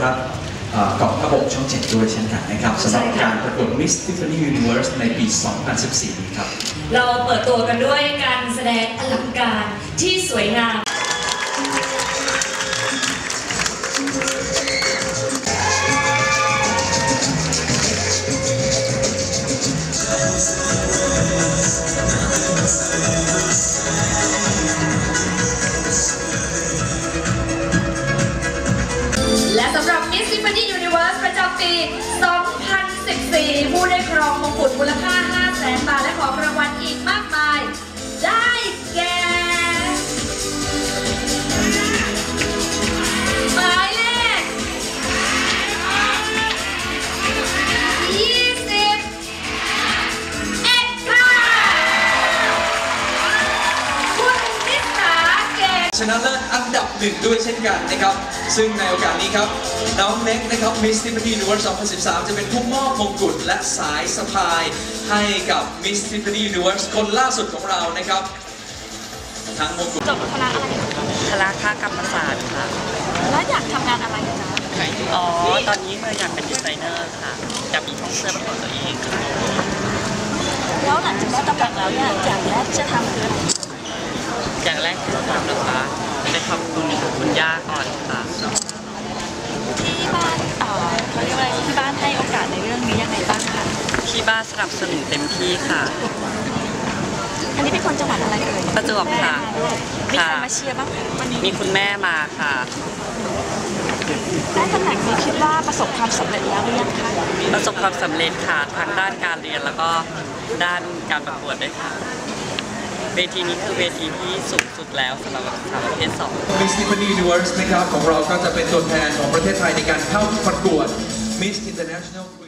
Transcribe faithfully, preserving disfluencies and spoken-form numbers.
ครับกองทัพบกช่องเจ็ดด้วยเช่นกันนะครับสำหรับการประกวด Miss Tiffany Universe ในปี สองพันสิบสี่ นี้ครับเราเปิดตัวกันด้วยการแสดงอลังการที่สวยงามและสำหรับ Miss Tiffany Universe ประจำปี สองพันสิบสี่ ผู้ได้ครองมงกุฎมูลค่า ห้าแสน บาทและของรางวัลอีกมากมายได้แก่หมายเลขยี่สิบเอ็ดค่ะคุณนิสาเกตชนะเลิศอันดับหนึ่งด้วยเช่นกันนะครับซึ่งในโอกาสนี้ครับน้องเน็กนะครับ Miss Tiffany Universe สองพันสิบสาม จะเป็นผู้มอบมงกุฎและสายสะพายให้กับ Miss Tiffany Universe คนล่าสุดของเรานะครับทั้งมงกุฎจบคณะอะไรคณะคากรรมศาสตร์ค่ะแล้วอยากทำงานอะไรจ๊ะอ๋อตอนนี้เธออยากเป็นดีไซเนอร์ค่ะอยากมีช่องเสื้อเป็นของตัวเองค่ะแล้วหลังจากได้ตำแหน่งแล้วเนี่ยอย่างแรกจะทำคืออะไรอย่างแรกที่จะทำนะคะได้ขอบคุณคุณย่าก่อนค่ะที่บ้านเอ่อเขาเรียกว่าที่บ้านให้โอกาสในเรื่องนี้ยังไงบ้างคะที่บ้านสนับสนุนเต็มที่ค่ะอันนี้เป็นคนจังหวัดอะไรเอ่ยประจวบค่ะมีใครมาเชียร์บ้างวันนี้มีคุณแม่มาค่ะได้ตำแหน่งนี้คิดว่าประสบความสำเร็จแล้วหรือยังคะประสบความสำเร็จค่ะทางด้านการเรียนแล้วก็ด้านการประกวดด้วยค่ะเวทีนี้คือเวทีที่สูงสุดแล้วสำหรับสาวประเภทสอง Miss Tiffany Universe นะครับของเราก็จะเป็นตัวแทนของประเทศไทยในการเข้าประกวด Miss International